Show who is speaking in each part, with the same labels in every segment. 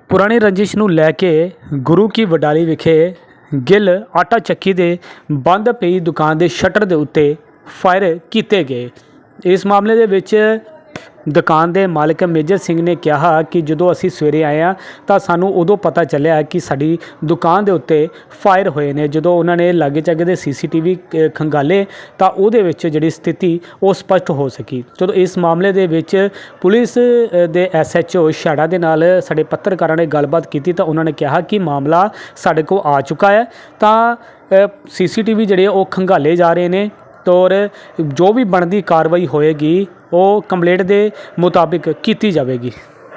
Speaker 1: ਪੁਰਾਣੀ ਰੰਜਿਸ਼ ਨੂੰ ਲੈ ਕੇ ਗੁਰੂ ਕੀ ਵਡਾਲੀ ਵਿਖੇ ਗਿੱਲ ਆਟਾ ਚੱਕੀ ਦੇ ਬੰਦ ਪਈ ਦੁਕਾਨ ਦੇ ਸ਼ਟਰ ਦੇ ਉੱਤੇ ਫਾਇਰ ਕੀਤੇ ਗਏ। ਇਸ ਮਾਮਲੇ ਦੇ ਵਿੱਚ ਦੁਕਾਨ ਦੇ ਮਾਲਕ ਮੇਜਰ ਸਿੰਘ ਨੇ ਕਿਹਾ ਕਿ ਜਦੋਂ ਅਸੀਂ ਸਵੇਰੇ ਆਏ ਹਾਂ ਤਾਂ ਸਾਨੂੰ ਉਦੋਂ ਪਤਾ ਚੱਲਿਆ ਕਿ ਸਾਡੀ ਦੁਕਾਨ ਦੇ ਉੱਤੇ ਫਾਇਰ ਹੋਏ ਨੇ। ਜਦੋਂ ਉਹਨਾਂ ਨੇ ਲਾਗੇ ਚਾਗੇ ਦੇ CCTV ਖੰਗਾਲੇ ਤਾਂ ਉਹਦੇ ਵਿੱਚ ਜਿਹੜੀ ਸਥਿਤੀ ਉਹ ਸਪਸ਼ਟ ਹੋ ਸਕੀ। ਜਦੋਂ ਇਸ ਮਾਮਲੇ ਦੇ ਵਿੱਚ ਪੁਲਿਸ ਦੇ SHO ਛਾੜਾ ਦੇ ਨਾਲ ਸਾਡੇ ਪੱਤਰਕਾਰਾਂ ਨੇ ਗੱਲਬਾਤ ਕੀਤੀ ਤਾਂ ਉਹਨਾਂ ਨੇ ਕਿਹਾ ਕਿ ਮਾਮਲਾ ਸਾਡੇ ਕੋਲ ਆ ਚੁੱਕਾ ਹੈ ਤਾਂ CCTV ਜਿਹੜੇ ਉਹ ਖੰਗਾਲੇ ਜਾ ਰਹੇ ਨੇ ਤੌਰ ਜੋ ਵੀ ਬਣਦੀ ਕਾਰਵਾਈ ਹੋਏਗੀ ਉਹ ਕੰਪਲੇਂਟ ਦੇ ਮੁਤਾਬਿਕ ਕੀਤੀ ਜਾਵੇਗੀ।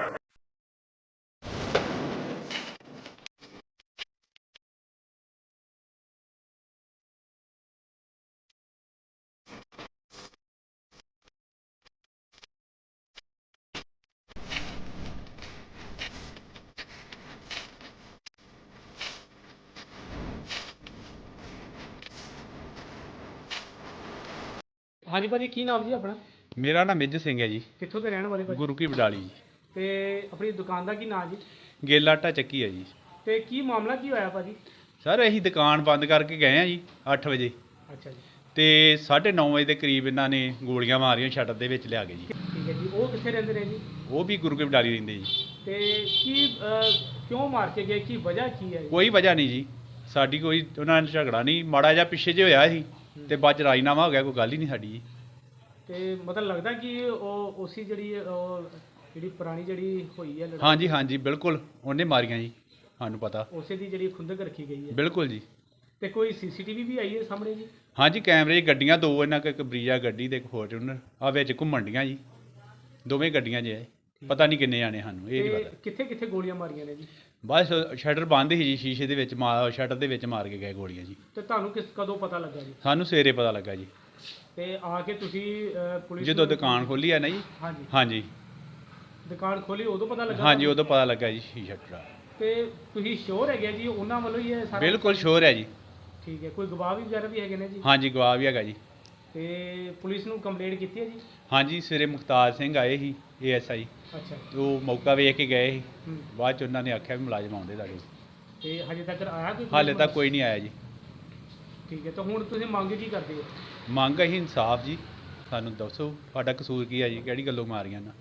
Speaker 1: ਹਾਂਜੀ ਭਾਜੀ, ਕੀ ਨਾਮ ਜੀ ਆਪਣਾ?
Speaker 2: ਮੇਰਾ ਨਾਮ ਮੇਜਰ ਸਿੰਘ ਹੈ ਜੀ।
Speaker 1: ਕਿੱਥੋਂ ਦੇ ਰਹਿਣ ਵਾਲੇ ਭਾਜੀ?
Speaker 2: ਗੁਰੂ ਕੀ ਵਡਾਲੀ ਜੀ।
Speaker 1: ਤੇ ਆਪਣੀ ਦੁਕਾਨ ਦਾ ਕੀ ਨਾਮ ਜੀ?
Speaker 2: ਗਿੱਲ ਆਟਾ ਚੱਕੀ ਹੈ ਜੀ।
Speaker 1: ਤੇ ਕੀ ਮਾਮਲਾ ਕੀ ਹੋਇਆ ਭਾਜੀ?
Speaker 2: ਸਰ ਅਸੀਂ ਦੁਕਾਨ ਬੰਦ ਕਰਕੇ ਗਏ ਆ ਜੀ 8 ਵਜੇ
Speaker 1: ਅੱਛਾ ਜੀ।
Speaker 2: ਤੇ 9:30 ਵਜੇ ਦੇ ਕਰੀਬ ਇਹਨਾਂ ਨੇ ਗੋਲੀਆਂ ਮਾਰੀਆਂ ਸ਼ਟਰ ਦੇ ਵਿੱਚ ਲਿਆ ਕੇ ਜੀ।
Speaker 1: ਠੀਕ ਹੈ ਜੀ। ਉਹ ਕਿੱਥੇ ਰਹਿੰਦੇ ਨੇ ਜੀ?
Speaker 2: ਉਹ ਵੀ ਗੁਰੂ ਕੀ ਵਡਾਲੀ ਰਹਿੰਦੇ ਜੀ।
Speaker 1: ਤੇ ਕੀ ਕਿਉਂ ਮਾਰ ਕੇ ਗਏ? ਕੀ ਵਜ੍ਹਾ ਕੀ ਹੈ?
Speaker 2: ਕੋਈ ਵਜ੍ਹਾ ਨਹੀਂ ਜੀ, ਸਾਡੀ ਕੋਈ ਉਹਨਾਂ ਨਾਲ ਝਗੜਾ ਨਹੀਂ, ਮਾੜਾ ਜਿਹਾ ਪਿੱਛੇ ਜੇ ਹੋਇਆ ਸੀ ਤੇ ਬਾਅਦ ਚ ਰਾਜੀਨਾਮਾ ਹੋ ਗਿਆ, ਕੋਈ ਗੱਲ ਹੀ ਨਹੀਂ ਸਾਡੀ ਜੀ।
Speaker 1: ਤੇ ਮਤਲਬ ਲੱਗਦਾ ਕਿ ਉਹ ਉਸੀ ਜਿਹੜੀ ਪੁਰਾਣੀ ਜਿਹੜੀ ਹੋਈ ਹੈ
Speaker 2: ਹਾਂਜੀ ਹਾਂਜੀ ਬਿਲਕੁਲ, ਉਹਨੇ ਮਾਰੀਆਂ ਜੀ, ਸਾਨੂੰ ਪਤਾ।
Speaker 1: ਉਸੇ ਦੀ ਜਿਹੜੀ ਖੁੰਦਕ ਰੱਖੀ ਗਈ ਹੈ?
Speaker 2: ਬਿਲਕੁਲ ਜੀ।
Speaker 1: ਤੇ ਕੋਈ CCTV ਵੀ ਆਈ ਹੈ ਸਾਹਮਣੇ ਜੀ?
Speaker 2: ਹਾਂਜੀ ਕੈਮਰੇ 'ਚ ਗੱਡੀਆਂ ਦੋ, ਇਹਨਾਂ ਕੋਲ ਇੱਕ ਬਰੀਜਾ ਗੱਡੀ ਤੇ ਇੱਕ ਫੋਰਚੂਨਰ ਆ ਵਿੱਚ ਘੁੰਮਣ ਡੀਆਂ ਜੀ, ਦੋਵੇਂ ਗੱਡੀਆਂ 'ਚ ਹੈ। ਪਤਾ ਨਹੀਂ ਕਿੰਨੇ ਜਾਣੇ, ਸਾਨੂੰ ਇਹ ਨਹੀਂ ਪਤਾ।
Speaker 1: ਕਿੱਥੇ ਕਿੱਥੇ ਗੋਲੀਆਂ ਮਾਰੀਆਂ ਨੇ ਜੀ?
Speaker 2: ਬਸ ਸ਼ਟਰ ਬੰਦ ਸੀ ਜੀ, ਸ਼ੀਸ਼ੇ ਦੇ ਵਿੱਚ ਸ਼ਟਰ ਦੇ ਵਿੱਚ ਮਾਰ ਕੇ ਗਏ ਗੋਲੀਆਂ ਜੀ।
Speaker 1: ਤੇ ਤੁਹਾਨੂੰ ਕਦੋਂ ਪਤਾ ਲੱਗਾ ਜੀ?
Speaker 2: ਸਾਨੂੰ ਸਵੇਰੇ ਪਤਾ ਲੱਗਾ ਜੀ।
Speaker 1: ਤੇ ਆ ਕੇ ਤੁਸੀਂ ਪੁਲਿਸ
Speaker 2: ਜਦੋਂ ਦੁਕਾਨ ਖੋਲੀ ਆ ਨਾ ਜੀ।
Speaker 1: ਹਾਂਜੀ
Speaker 2: ਹਾਂਜੀ
Speaker 1: ਦੁਕਾਨ ਖੋਲੀ ਉਦੋਂ ਪਤਾ ਲੱਗਾ?
Speaker 2: ਹਾਂਜੀ ਉਦੋਂ ਪਤਾ ਲੱਗਾ ਜੀ ਸ਼ਟਰ ਦਾ।
Speaker 1: ਤੇ ਤੁਸੀਂ ਸ਼ੋਰ ਹੈਗੇ ਜੀ ਉਹਨਾਂ ਵੱਲੋਂ ਹੀ ਇਹ ਸਾਰਾ?
Speaker 2: ਬਿਲਕੁਲ ਸ਼ੋਰ ਹੈ ਜੀ।
Speaker 1: ਠੀਕ ਹੈ। ਕੋਈ ਗਵਾਹ ਵੀ ਵਗੈਰਾ ਵੀ ਹੈਗੇ ਨੇ ਜੀ?
Speaker 2: ਹਾਂਜੀ ਗਵਾਹ ਵੀ ਹੈਗਾ ਜੀ।
Speaker 1: ਤੇ ਪੁਲਿਸ ਨੂੰ ਕੰਪਲੇਂਟ ਕੀਤੀ ਹੈ ਜੀ?
Speaker 2: ਹਾਂਜੀ ਸਵੇਰੇ ਮੁਖਤਾਰ ਸਿੰਘ ਆਏ ਸੀ ASI,
Speaker 1: ਅੱਛਾ।
Speaker 2: ਉਹ ਮੌਕਾ ਵੇਖ ਕੇ ਗਏ ਸੀ।
Speaker 1: ਹੂੰ।
Speaker 2: ਬਾਅਦ ਚ ਉਹਨਾਂ ਨੇ ਆਖਿਆ ਵੀ ਮੁਲਾਜ਼ਮ ਆਉਂਦੇ ਤੁਹਾਡੇ।
Speaker 1: ਤੇ ਹਜੇ ਤੱਕ ਆਇਆ ਕੋਈ?
Speaker 2: ਹਾਲੇ ਤੱਕ ਕੋਈ ਨਹੀਂ ਆਇਆ ਜੀ।
Speaker 1: ਠੀਕ ਹੈ। ਤਾਂ ਹੁਣ ਤੁਸੀਂ ਮੰਗ ਕੀ ਕਰਦੇ ਹੋ?
Speaker 2: ਮੰਗ ਅਸੀਂ ਇਨਸਾਫ ਜੀ, ਸਾਨੂੰ ਦੱਸੋ ਤੁਹਾਡਾ ਕਸੂਰ ਕੀ ਹੈ ਜੀ, ਕਿਹੜੀ ਗੱਲੋਂ ਮਾਰੀਆਂ ਨਾ।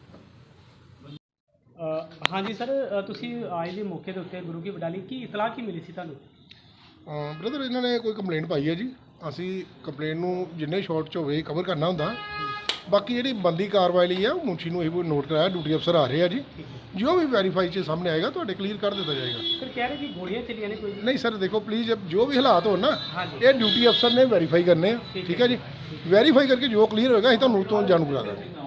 Speaker 1: ਹਾਂਜੀ ਸਰ, ਤੁਸੀਂ ਆਏ ਦੇ ਮੌਕੇ ਦੇ ਉੱਤੇ ਗੁਰੂ ਕੀ ਵਡਾਲੀ, ਕੀ ਇਤਲਾਹ ਕੀ ਮਿਲੀ ਸੀ ਤੁਹਾਨੂੰ?
Speaker 3: ਬ੍ਰਦਰ ਇਹਨਾਂ ਨੇ ਕੋਈ ਕੰਪਲੇਂਟ ਪਾਈ ਹੈ ਜੀ। ਅਸੀਂ ਕੰਪਲੇਂਟ ਨੂੰ ਜਿੰਨੇ ਸ਼ਾਰਟ 'ਚ ਹੋਵੇ ਕਵਰ ਕਰਨਾ ਹੁੰਦਾ। ਬਾਕੀ ਜਿਹੜੀ ਬੰਦੀ ਕਾਰਵਾਈ ਲਈ ਆ ਉਹ ਮੁਨਸ਼ੀ ਨੂੰ ਇਹ ਨੋਟ ਕਰਾਇਆ, ਡਿਊਟੀ ਅਫਸਰ ਆ ਰਹੇ ਆ ਜੀ। ਜੋ ਵੀ ਵੈਰੀਫਾਈ 'ਚ ਸਾਹਮਣੇ ਆਏਗਾ ਤੁਹਾਡੇ ਕਲੀਅਰ ਕਰ ਦਿੱਤਾ ਜਾਏਗਾ।
Speaker 1: ਸਰ ਕਹਿ ਰਹੇ ਜੀ ਗੋਲੀਆਂ ਚੱਲੀਆਂ ਨੇ ਕੋਈ?
Speaker 3: ਨਹੀਂ ਸਰ ਦੇਖੋ ਪਲੀਜ਼, ਜੋ ਵੀ ਹਾਲਾਤ ਹੋਣ ਨਾ
Speaker 1: ਹਾਂਜੀ।
Speaker 3: ਇਹ ਡਿਊਟੀ ਅਫਸਰ ਨੇ ਵੈਰੀਫਾਈ ਕਰਨੇ ਆ। ਠੀਕ ਹੈ ਜੀ। ਵੈਰੀਫਾਈ ਕਰਕੇ ਜੋ ਕਲੀਅਰ ਹੋਏਗਾ ਅਸੀਂ ਤੁਹਾਨੂੰ ਤੋਂ ਜਾਣੂ ਕਰਾ ਦਾਂਗੇ।